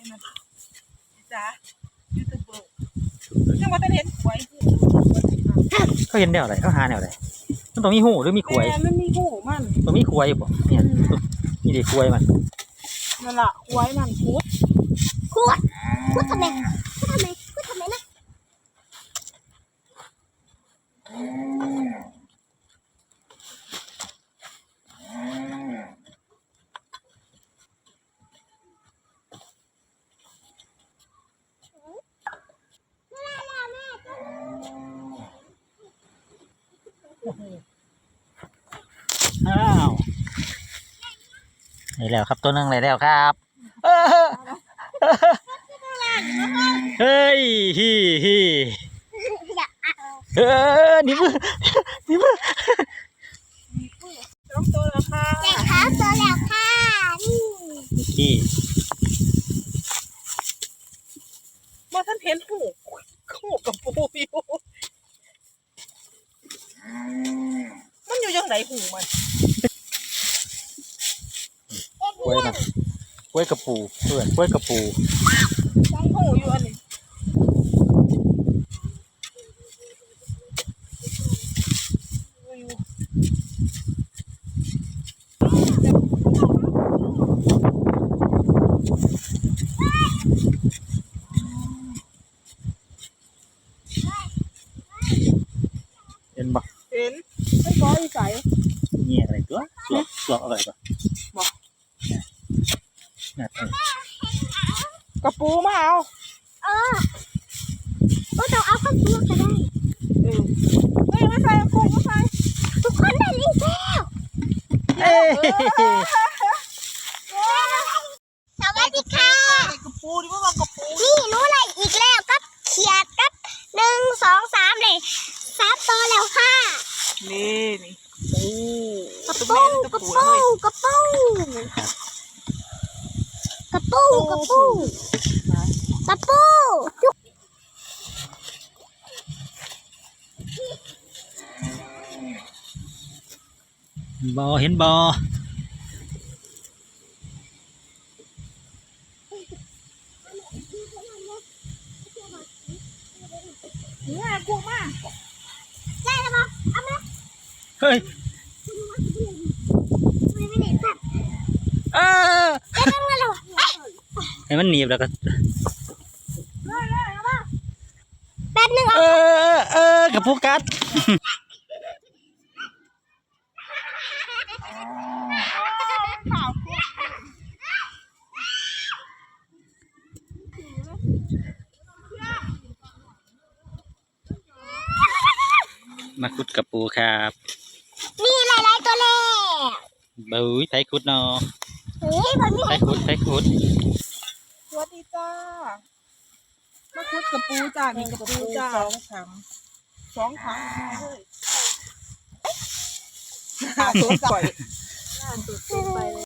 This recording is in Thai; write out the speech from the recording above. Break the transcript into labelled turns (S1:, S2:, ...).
S1: นะจ้ายูทูบเบอร์ยังว่าจะเห็นหวย
S2: เขาเห็นแนวอะไรเขาหาแนวอะไรมันต้องมีหูหรือมีขวย
S1: มันมีหูมัน
S2: ต้องมีขวยบ่เนี่ยนี่เด็กขวยมัน
S1: นั่นแหละหวยมันพูด
S3: ทำไมนะ
S2: อ้าวได้แล้วครับตัวนึงได้แล้วครับเฮ้ยฮีนี่มือ
S1: ต้องตัวแล้วค่ะ
S3: เด็กครับตัวแล้วค่ะนี่
S2: ขี้
S1: มาท่านเห็นหูกับปูอยู่มันอยู่ยังไงหูมัน
S2: ขวยมันขวยกระปูเพื่อนขวยกระปู
S1: หูอยู่อันนี้
S2: เห็นบ่
S1: เห็นไม่ก้อยใส
S2: เงี้ยอะไรตัวสวกอะไรตัว
S1: บอก
S2: น่ะ
S1: กระปูมาเอา
S3: ก็ต้องเอาข้าวตัวก็ได้
S1: ไม่ใส่ปูไม่ใส่
S3: ทุกคนได้ลิงแล้ว
S2: เอ้ย
S3: สวัสดีค่ะ
S1: กระปูดิว่ากระปู
S3: นี่รู้อะไรอีกแล้วกับเขียดกับ1 2 3เลย3ตัวแล้วค่ะ
S1: นี่ปู
S3: กระปูกระปูกระปูกระปูกระปูกระปู
S2: บ่เห็นบ่
S1: เนี่ยปูมา
S3: ได้แล้วปะเอามา
S2: เฮ้ย
S3: ไม่ได้สับ ได้ตั้งมาแล้ว
S2: ให้มันหนีบแล้วก็
S3: แป๊บนึง
S2: กับผู้กัดมาขุดกับปูครับ
S3: นี่หลายๆตัวแล้ว
S2: บุ้ยไทยขุดเนาะ
S3: นี่ผมมี
S2: ไทยขุด
S1: สวัสดีจ้ามาคุดกระปูจ้านี่กระปูจ้า2 ถังเลยหาตัวก่อย